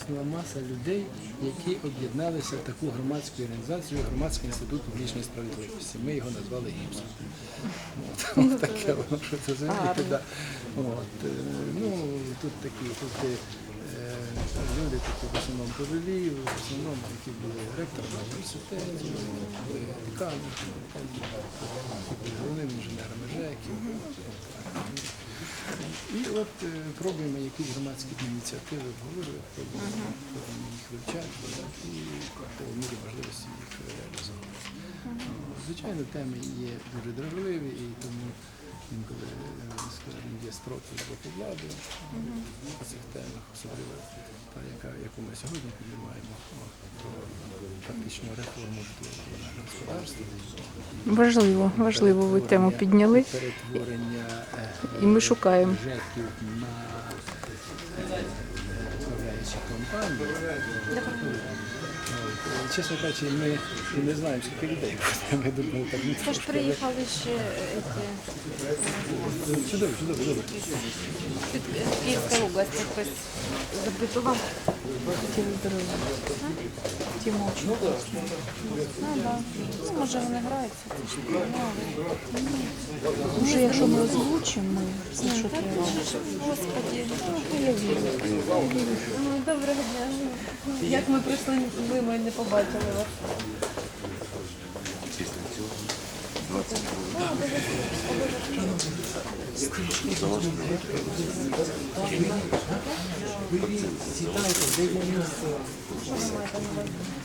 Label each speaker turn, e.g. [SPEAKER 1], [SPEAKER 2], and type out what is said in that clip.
[SPEAKER 1] виросла маса людей, які об'єдналися в таку громадську організацію, Громадський інститут публічної справедливості. Ми його назвали ГІПСом. От таке воно, що це розумієте, да. Ну, тут такі, люди такі в основному пожилі, в основному, які були ректорами університетів, були деканами, були головними інженерами ЖЕКів. І от пробуємо якісь громадські ініціативи обговорювати, пробуємо їх вивчати і по мірі можливості їх реалізовувати. Звичайно, теми є дуже дражливі, і тому інколи, скажімо, є строки з боку влади по цих темах, особливо та, яку ми сьогодні піднімаємо, про фактичну реформу житлового господарства.
[SPEAKER 2] Важливо ви тему підняли.
[SPEAKER 1] Перетворення
[SPEAKER 2] І ми шукаємо.
[SPEAKER 1] ЖЕКів на управляючі компанії. Чесно кажучи, ми не знаємо, скільки людей буде. Ми думали, так не
[SPEAKER 3] Тож приїхали ще
[SPEAKER 1] чудово.
[SPEAKER 3] під Київська область, хтось запитував.
[SPEAKER 2] Тімочку.
[SPEAKER 3] Ну, може вони граються.
[SPEAKER 2] Може, якщо ми озвучимо, ми все, що треба.
[SPEAKER 3] Господи,
[SPEAKER 2] Я вірю.
[SPEAKER 3] доброго дня. Як ми прийшли, ми не побачили вас.
[SPEAKER 1] Сідайте, де є місце.